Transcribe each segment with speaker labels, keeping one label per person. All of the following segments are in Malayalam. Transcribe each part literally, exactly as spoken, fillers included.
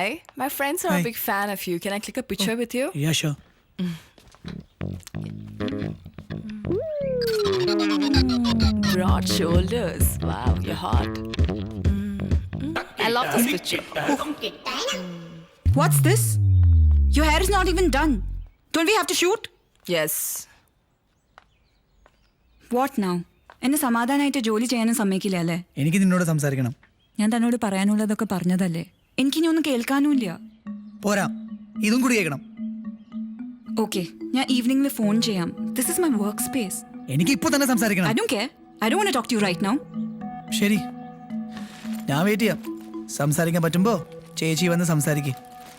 Speaker 1: Hi, my friends are
Speaker 2: Hi.
Speaker 1: a big fan of you. Can I click a picture with you?
Speaker 2: Yeah, sure.
Speaker 1: Broad shoulders. Wow, you're hot. Mm. I love this picture.
Speaker 3: What's this? Your hair is not even done. Don't we have to shoot?
Speaker 1: Yes.
Speaker 3: What now? എന്നെ സമാധാനമായിട്ട് ജോലി ചെയ്യാനും സമ്മതിക്കില്ല അല്ലേ?
Speaker 2: എനിക്ക് നിന്നോട് സംസാരിക്കണം.
Speaker 3: ഞാൻ തന്നോട് പറയാനുള്ളതൊക്കെ പറഞ്ഞതല്ലേ? എനിക്കിനി ഒന്നും കേൾക്കാനുമില്ല.
Speaker 2: പോരാ, ഇതും കൂടി കേൾക്കണം.
Speaker 3: ഓക്കെ, ഞാൻ ഈവനിംഗിൽ ഫോൺ ചെയ്യാം. This is my work space.
Speaker 2: എനിക്ക് ഇപ്പോൾ തന്നെ സംസാരിക്കണം.
Speaker 3: I don't care. I don't want to talk to you right now.
Speaker 2: ശരി, ഞാൻ വെയിറ്റ് ചെയ്യാം. സംസാരിക്കാൻ പറ്റുമ്പോ ചേച്ചി വന്ന് സംസാരിക്കേ.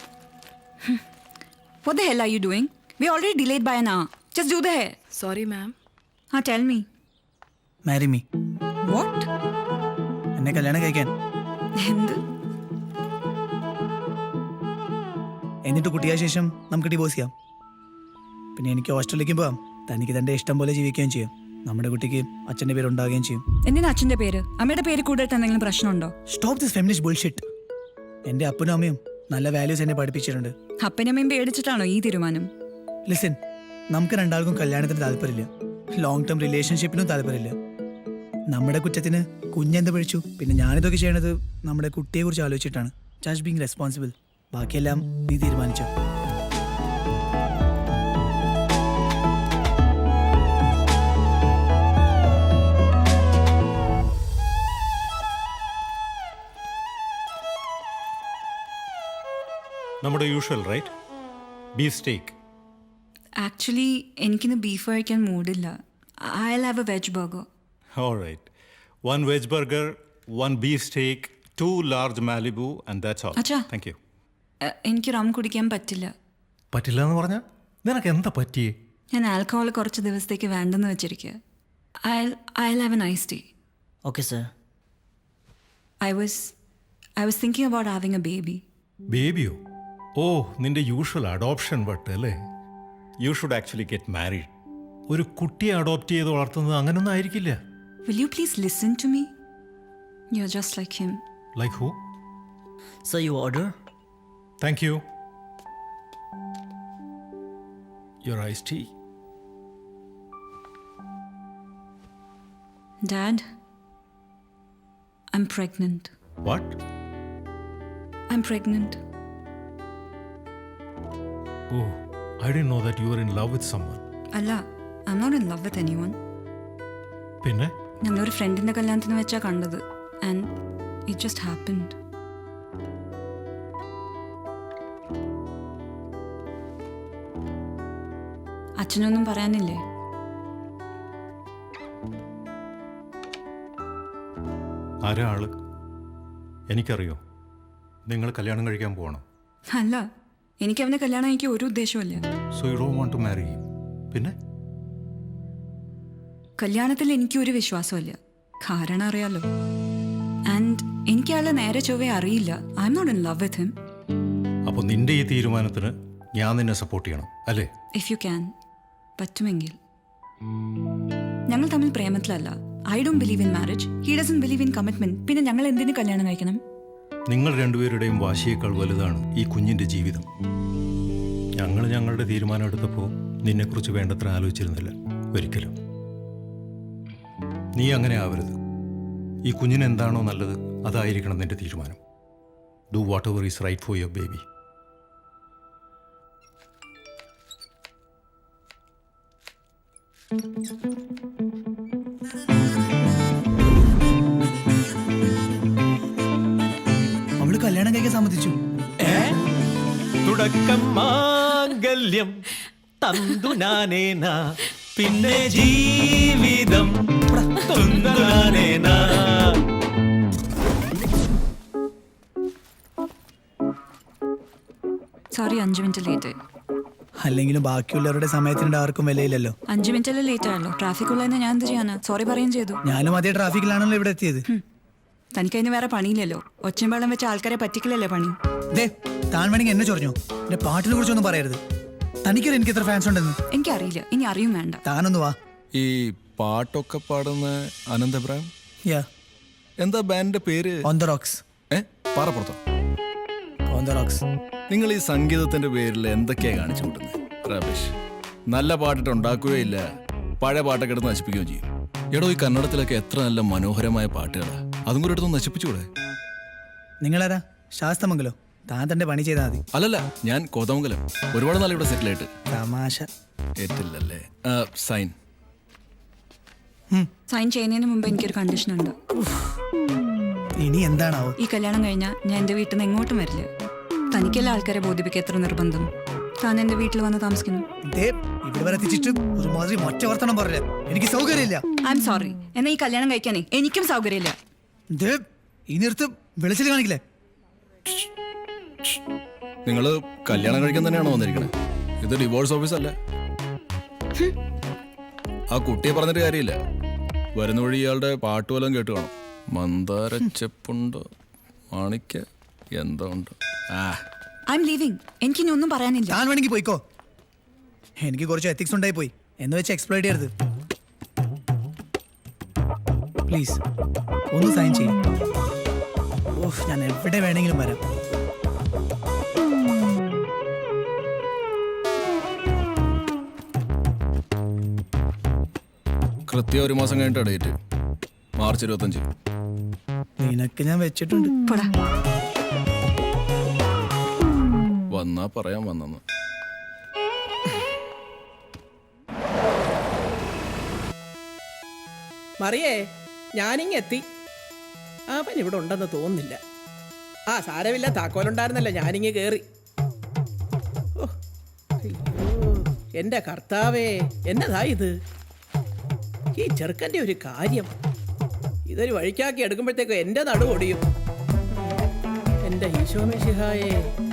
Speaker 3: What the hell are you doing? We already delayed by an hour. Just do the hair.
Speaker 1: Sorry, ma'am.
Speaker 3: Ah, tell me.
Speaker 2: Marry me.
Speaker 3: What?
Speaker 2: എന്നെ കല്യാണം കഴിക്കാൻ.
Speaker 3: എന്ത്?
Speaker 2: എന്നിട്ട് കുട്ടിയായ ശേഷം നമുക്ക് ഡിവോഴ്സ് ചെയ്യാം. പിന്നെ എനിക്ക് ഹോസ്റ്റലിലേക്ക് പോവാം. തനിക്ക് തൻ്റെ ഇഷ്ടം പോലെ ജീവിക്കുകയും ചെയ്യും. നമ്മുടെ കുട്ടിക്ക് അച്ഛൻ്റെ പേര് ഉണ്ടാവുകയും ചെയ്യും.
Speaker 3: എന്തിനാ അച്ഛൻ്റെ പേര്? അമ്മയുടെ പേര് കൂടുതൽ എന്തെങ്കിലും പ്രശ്നമുണ്ടോ?
Speaker 2: Stop this feminist bullshit. എൻ്റെ അപ്പനും അമ്മയും നല്ല വാല്യൂസ് എന്നെ പഠിപ്പിച്ചിട്ടുണ്ട്.
Speaker 3: അപ്പനമ്മയും പേടിച്ചിട്ടാണോ ഈ തീരുമാനം?
Speaker 2: ലിസൺ, നമുക്ക് രണ്ടാൾക്കും കല്യാണത്തിന് താല്പര്യമില്ല. ലോങ് ടേം റിലേഷൻഷിപ്പിനും താല്പര്യമില്ല. നമ്മുടെ കുറ്റത്തിന് കുഞ്ഞെന്ത് പഴിച്ചു? പിന്നെ ഞാനിതൊക്കെ ചെയ്യണത് നമ്മുടെ കുട്ടിയെ കുറിച്ച് ആലോചിച്ചിട്ടാണ്. Just being responsible. ബാക്കിയെല്ലാം നീ തീരുമാനിച്ചോ.
Speaker 4: നമ്മുടെ usual right, beef steak.
Speaker 3: Actually എനിക്കിന്ന് ബീഫ് കഴിക്കാൻ മൂഡില്ല. I will have a veg burger.
Speaker 4: All right. One veg burger, one beef steak, two large Malibu, and that's all.
Speaker 3: Acha.
Speaker 4: Thank you.
Speaker 3: എനിക്ക് റം കുടിക്കാൻ പറ്റില്ല.
Speaker 4: പറ്റില്ല എന്ന് പറഞ്ഞാൽ നിനക്ക് എന്താ പറ്റിയേ?
Speaker 3: ഞാൻ ആൽക്കഹോൾ കുറച്ച് ദിവസത്തേക്ക് വേണ്ടെന്ന് വെച്ചിരിക്കുക. I I will have a nice day.
Speaker 5: Okay, sir.
Speaker 3: I was I was thinking about having a baby.
Speaker 4: ബേബിയോ? ഓ, നിന്റെ യൂഷ്വൽ അഡോപ്ഷൻ വട്ട് അല്ലേ? You should actually get married. ഒരു കുട്ടിയെ അഡോപ്റ്റ് ചെയ്ത് വളർത്തുന്നത് അങ്ങനൊന്നും ആയിരിക്കില്ല.
Speaker 3: Will you please listen to me? You're just like him.
Speaker 4: Like who?
Speaker 5: Sir, you order?
Speaker 4: Thank you. Your iced tea.
Speaker 3: Dad, I'm pregnant.
Speaker 4: What?
Speaker 3: I'm pregnant.
Speaker 4: Oh, I didn't know that you were in love with someone.
Speaker 3: അല്ല, I'm not in love with anyone.
Speaker 4: പിന്നെ?
Speaker 3: ഞങ്ങളൊരു ഫ്രണ്ടിന്റെ കല്യാണത്തിന് വെച്ചാ കണ്ടത്. And it just happened. അച്ഛനൊന്നും പറയാനില്ലേ?
Speaker 4: ആരാ ആള്? എനിക്കറിയോ. നിങ്ങൾ കല്യാണം കഴിക്കാൻ പോകണം.
Speaker 3: അല്ല, എനിക്ക് അവനെ കല്യാണം എനിക്ക് ഒരു ഉദ്ദേശമില്ല.
Speaker 4: So you don't want to marry him. പിന്നെ?
Speaker 3: കല്യാണത്തിൽ എനിക്ക് ഒരു വിശ്വാസമില്ല. കാരണം അറിയാലോ. ആൻഡ് എനിക്ക് ആളെ നേരെ ചൊവ്വേ അറിയില്ല. I'm not in love with him.
Speaker 4: അപ്പോൾ നിന്റെ ഈ തീരുമാനത്തിന് ഞാൻ നിന്നെ സപ്പോർട്ട് ചെയ്യണം അല്ലേ?
Speaker 3: ഇഫ് യു ക്യാൻ, പറ്റുമെങ്കിൽ. ഞങ്ങൾ തമ്മിൽ പ്രേമത്തിലല്ല. I don't believe in marriage. He doesn't believe in commitment. പിന്നെ ഞങ്ങൾ എന്തിനു കല്യാണം കഴിക്കണം?
Speaker 4: നിങ്ങൾ രണ്ടുപേരുടെയും വാശിയേക്കാൾ വലുതാണ് ഈ കുഞ്ഞിൻ്റെ ജീവിതം. ഞങ്ങൾ ഞങ്ങളുടെ തീരുമാനം എടുത്തപ്പോൾ നിന്നെക്കുറിച്ച് വേണ്ടത്ര ആലോചിച്ചിരുന്നില്ല ഒരിക്കലും. നീ അങ്ങനെ ആവരുത്. ഈ കുഞ്ഞിന് എന്താണോ നല്ലത് അതായിരിക്കണം നിന്റെ തീരുമാനം. Do whatever is right for your baby.
Speaker 2: അവള് കല്യാണം കഴിക്കാൻ സമ്മതിച്ചു.
Speaker 6: തുടക്കം മാംഗല്യം തന്തു നാനേനാ, പിന്നെ ജീവിതം തുന്തു നാനേനാ.
Speaker 3: സോറി, അഞ്ചു മിനിറ്റ് ലേറ്റ് ആയി.
Speaker 2: അല്ലെങ്കിലും ബാക്കിയുള്ളവരുടെ സമയത്തിൻ്റെ ആർക്കും വിലയില്ലല്ലോ.
Speaker 3: അഞ്ചു മിനിറ്റല്ലേ ലേറ്റ് ആയല്ലോ. ട്രാഫിക് ഉള്ളതെന്ന് ഞാൻ എന്ത് ചെയ്യാനാ? സോറി പറയുകയും ചെയ്തു.
Speaker 2: ഞാനും അതേ ട്രാഫിക്കിലാണല്ലോ ഇവിടെ എത്തിയത്.
Speaker 3: തനിക്കതിന് വേറെ പണിയില്ലല്ലോ. ഒച്ചയും വെള്ളം വെച്ച് ആൾക്കാരെ പറ്റിക്കില്ലല്ലേ പണി.
Speaker 2: ദേ, താൻ വേണമെങ്കിൽ എന്നെ ചൊറിഞ്ഞോ. എന്റെ പാട്ടിനെ കുറിച്ചൊന്നും പറയരുത്. തനിക്കറിയാം എനിക്ക് എത്ര ഫാൻസ് ഉണ്ടെന്ന്.
Speaker 3: എനിക്കറിയില്ല, ഇനി അറിയും വേണ്ട.
Speaker 2: താനൊന്ന് വാ.
Speaker 7: ഈ പാട്ടൊക്കെ പാടുന്ന അനന്തപുരം
Speaker 2: യാ,
Speaker 7: എന്താ ബാൻഡിന്റെ പേര്?
Speaker 2: On the rocks.
Speaker 7: ഏ പാറപ്പുറത്തോ?
Speaker 2: On the rocks.
Speaker 7: നിങ്ങൾ ഈ സംഗീതത്തിന്റെ പേരിൽ എന്തൊക്കെയാ കാണിച്ചു കൂട്ടുന്നത് റബീഷ്? നല്ല പാട്ടിട്ട് ഉണ്ടാക്കുകയില്ല, പഴയ പാട്ടൊക്കെ എടുത്ത് നശിപ്പിക്കുകയും ചെയ്യും. എടോ, ഈ കന്നഡത്തിലൊക്കെ എത്ര നല്ല മനോഹരമായ പാട്ടുകളാ, അതും കൂടെ എടുത്ത് നശിപ്പിച്ചുകൂടെ?
Speaker 2: നിങ്ങളാരാ? ശാസ്തമംഗലോ? താൻ തന്റെ പണി ചെയ്താൽ മതി.
Speaker 7: അല്ലല്ല, ഞാൻ കോതമംഗലം. ഒരുപാട് നാൾ ഇവിടെ സെറ്റിൽ ആയിട്ട്.
Speaker 2: തമാശ.
Speaker 7: ഏറ്റില്ലല്ലേ? ആ, സൈൻ.
Speaker 3: സൈൻ ചെയ്യുന്നതിന് മുമ്പ് എനിക്കൊരു കണ്ടീഷൻ ഉണ്ട്.
Speaker 2: ഇനി എന്താണാവോ?
Speaker 3: ഈ കല്യാണം കഴിഞ്ഞാൽ ഞാൻ എൻ്റെ വീട്ടിൽ നിന്ന് എങ്ങോട്ടും വരില്ല. തനിക്കെല്ലാം ആൾക്കാരെ ബോധിപ്പിക്കുക എത്ര നിർബന്ധം. താൻ എൻ്റെ വീട്ടിൽ വന്ന് താമസിക്കുന്നു.
Speaker 2: ദേ, ഇവിടെ വരെ എത്തിച്ചിട്ട് ഒരുമാതിരി മൊറ്റ വർത്തനം പറഞ്ഞില്ല. എനിക്ക് സൗകര്യമില്ല.
Speaker 3: I'm sorry. എന്നാ ഈ കല്യാണം കഴിക്കാനേ എനിക്കും സൗകര്യമില്ല.
Speaker 2: ദേ, ഈ നിർത്ത് വെളിച്ചിൽ കാണിക്കില്ലേ?
Speaker 7: നിങ്ങൾ കല്യാണം കഴിക്കാൻ തന്നെയാണോ വന്നിരിക്കണേ? ഇത് ഡിവോഴ്സ് ഓഫീസ് അല്ല. ആ കുട്ടിയെ പറഞ്ഞിട്ട് കാര്യമില്ല. വരുന്ന വഴി ഇയാളുടെ പാട്ട് വല്ലതും കേട്ട് കാണും. മന്ദാര ചെപ്പുണ്ട്, മാണിക്ക എന്തോ ഉണ്ട്. ആ,
Speaker 3: ഐ എം ലീവിങ്. എനിക്കിനി ഒന്നും പറയാനില്ല.
Speaker 2: ഞാൻ വേണമെങ്കിൽ പോയിക്കോ. എനിക്ക് കുറച്ച് എത്തിക്സ് ഉണ്ടായി പോയി എന്ന് വെച്ച് എക്സ്പ്ലോയിറ്റ് ചെയ്യരുത് പ്ലീസ്. ഒന്ന് സൈൻ ചെയ്യും. ഓഹ്, ഞാൻ എവിടെ വേണമെങ്കിലും വരാം.
Speaker 7: കൃത്യം ഒരു മാസം കഴിഞ്ഞിട്ട് ഡേറ്റ്, മാർച്ച് ഇരുപത്തഞ്ച്.
Speaker 2: നിനക്ക് ഞാൻ വെച്ചിട്ടുണ്ട്.
Speaker 3: പോടാ.
Speaker 7: വന്നാ പറയാൻ വന്നെന്ന്.
Speaker 8: മറിയേ, ഞാനിങ്ങെത്തി. അവൻ ഇവിടെ ഉണ്ടെന്ന് തോന്നുന്നില്ല. ആ, സാരമില്ല, താക്കോലുണ്ടായിരുന്നല്ലോ, ഞാനിങ്ങ് കയറി. ഓ, അയ്യോ, എൻ്റെ കർത്താവേ, എന്നതാ ഇത്? ഈ ചെറുക്കൻ്റെ ഒരു കാര്യം. ഇതൊരു വഴിക്കാക്കി എടുക്കുമ്പോഴത്തേക്കും എൻ്റെ നടു ഒടിയും. എൻ്റെ ഈശോ മിശിഹായേ.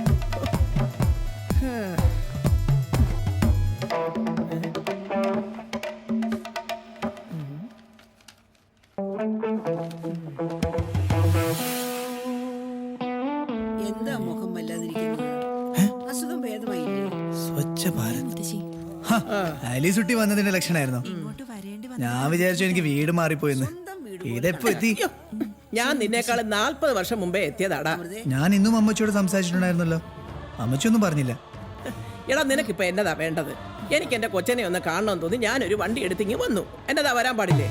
Speaker 9: എന്താ മുഖം വല്ലാതിരിക്കുന്നത്? അസുഖം ഭേദമായില്ലേ?
Speaker 2: സ്വച്ഛ ഭാരത്. അലീസുട്ടി വന്നതിന്റെ ലക്ഷണമായിരുന്നോ? ഞാൻ വിചാരിച്ചു എനിക്ക് വീട് മാറിപ്പോയിന്ന്. ഇതെപ്പോ എത്തി?
Speaker 8: ഞാൻ നിന്നേക്കാളും നാൽപ്പത് വർഷം മുമ്പേ എത്തിയതാടാ.
Speaker 2: ഞാൻ ഇന്നും അമ്മച്ചിയോട് സംസാരിച്ചിട്ടുണ്ടായിരുന്നല്ലോ. അമ്മച്ചിയൊന്നും പറഞ്ഞില്ല.
Speaker 8: എടാ, നിനക്കിപ്പോ എന്നതാ വേണ്ടത്? എനിക്ക് എന്റെ കൊച്ചനെ ഒന്ന് കാണണമെന്ന് തോന്നി ഞാനൊരു വണ്ടി എടുത്തിങ്ങി വന്നു. എന്നതാ, വരാൻ പാടില്ലേ?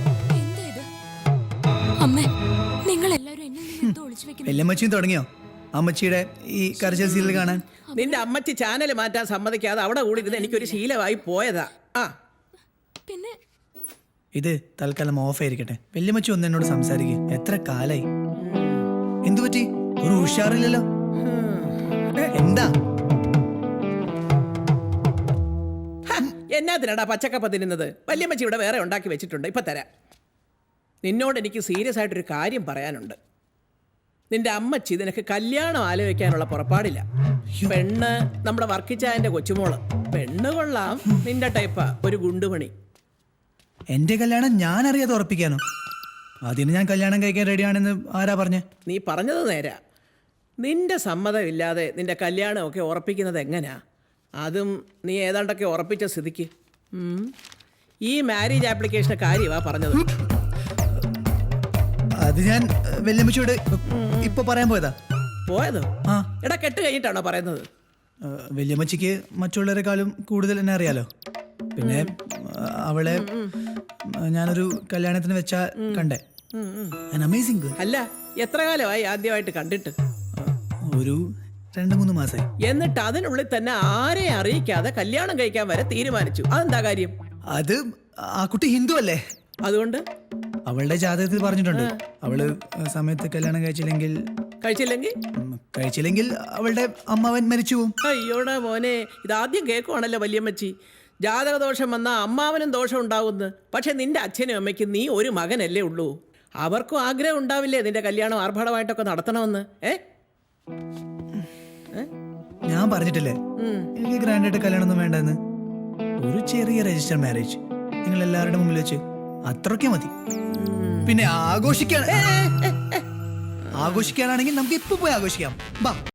Speaker 2: വല്യമ്മച്ചിയും തുടങ്ങിയോ അമ്മച്ചിയുടെ ഈ കരച്ചിൽ സീരിയൽ കാണാൻ?
Speaker 8: നിന്റെ അമ്മച്ചി ചാനൽ മാറ്റാൻ സമ്മതിക്കാതെ അവിടെ കൂടി ഇരുന്ന് എനിക്കൊരു ശീലമായി പോയതാ. ആ,
Speaker 1: പിന്നെ
Speaker 2: ഇത് തൽക്കാലം ഓഫ് ആയിരിക്കട്ടെ. വല്യമ്മച്ചി ഒന്ന് എന്നോട് സംസാരിക്കും. എത്ര കാലായി? എന്തു പറ്റി? ഒരു ഉഷാറില്ലല്ലോ. എന്താ?
Speaker 8: എന്നാത്തിനാടാ പച്ചക്കപ്പ തിന്നുന്നത്? വല്യമ്മച്ചി ഇവിടെ വേറെ ഉണ്ടാക്കി വെച്ചിട്ടുണ്ട്, ഇപ്പൊ തരാം. നിന്നോട് എനിക്ക് സീരിയസ് ആയിട്ടൊരു കാര്യം പറയാനുണ്ട്. നിന്റെ അമ്മച്ചി നിനക്ക് കല്യാണം ആലോചിക്കാനുള്ള പുറപ്പാടില്ല. പെണ്ണ് നമ്മുടെ വർക്കിച്ചായന്റെ കൊച്ചുമോള്. പെണ്ണ് കൊള്ളാം, നിന്റെ ടൈപ്പാ, ഒരു ഗുണ്ടുമണി.
Speaker 2: എന്റെ കല്യാണം ഞാൻ അറിയാതെ ഉറപ്പിക്കാനോ? അതിന് ഞാൻ കല്യാണം കഴിക്കാൻ റെഡിയാണെന്ന് ആരാ പറഞ്ഞേ?
Speaker 8: നീ പറഞ്ഞത് നേരാ. നിന്റെ സമ്മതമില്ലാതെ നിന്റെ കല്യാണമൊക്കെ ഉറപ്പിക്കുന്നത് എങ്ങനെയാ? അതും നീ ഏതാണ്ടൊക്കെ ഉറപ്പിച്ച സ്ഥിതിക്ക്. ഉം. ഈ മാരേജ് ആപ്ലിക്കേഷന്റെ കാര്യമാ പറഞ്ഞത്.
Speaker 2: അത് ഞാൻ വല്യമ്മച്ചിയോട് ഇപ്പൊ പറയാൻ പോയതാ.
Speaker 8: പോയതോ?
Speaker 2: ആ.
Speaker 8: എടാ, കെട്ട് കഴിഞ്ഞിട്ടാണോ പറയുന്നത്?
Speaker 2: വല്യമ്മച്ചിക്ക് മറ്റുള്ളവരെക്കാളും കൂടുതൽ എന്നെ അറിയാലോ. പിന്നെ അവളെ ഞാനൊരു കല്യാണത്തിന് വെച്ചാ കണ്ടേ. Amazing girl.
Speaker 8: അല്ല, എത്ര കാലമായി ആദ്യമായിട്ട് കണ്ടിട്ട്?
Speaker 2: ഒരു രണ്ട് മൂന്ന് മാസമായി.
Speaker 8: എന്നിട്ട് അതിനുള്ളിൽ തന്നെ ആരെയും അറിയിക്കാതെ കല്യാണം കഴിക്കാൻ വരെ തീരുമാനിച്ചു. അതെന്താ കാര്യം?
Speaker 2: അത് ആ കുട്ടി ഹിന്ദു അല്ലേ,
Speaker 8: അതുകൊണ്ട്
Speaker 2: അവളുടെ ജാതകത്തിൽ പറഞ്ഞിട്ടുണ്ട് അവള് സമയത്ത് കല്യാണം കഴിച്ചില്ലെങ്കിൽ
Speaker 8: കഴിച്ചില്ലെങ്കിൽ
Speaker 2: ഉം, കഴിച്ചില്ലെങ്കിൽ അവളുടെ അമ്മാവൻ മരിച്ചു പോവും.
Speaker 8: അയ്യോടാ മോനെ, ഇതാദ്യം കേൾക്കുവാണല്ലോ വല്യമ്മച്ചി. ജാതകദോഷം വന്നാൽ അമ്മാവനും ദോഷം ഉണ്ടാവുന്നു. പക്ഷെ നിന്റെ അച്ഛനും അമ്മയ്ക്കും നീ ഒരു മകനല്ലേ ഉള്ളൂ. അവർക്കും ആഗ്രഹം ഉണ്ടാവില്ലേ നിന്റെ കല്യാണം ആർഭാടമായിട്ടൊക്കെ നടത്തണമെന്ന്? ഏ
Speaker 2: ഞാൻ പറഞ്ഞിട്ടില്ലേ എനിക്ക് ഗ്രാൻഡായിട്ട് കല്യാണം ഒന്നും വേണ്ടെന്ന്. ഒരു ചെറിയ രജിസ്റ്റർ മാരേജ് നിങ്ങൾ എല്ലാവരുടെ മുമ്പിൽ വെച്ച് അത്രയ്ക്ക് മതി. പിന്നെ ആഘോഷിക്കാൻ ആഘോഷിക്കാനാണെങ്കിൽ നമുക്ക് ഇപ്പൊ പോയി ആഘോഷിക്കാം. ബാ.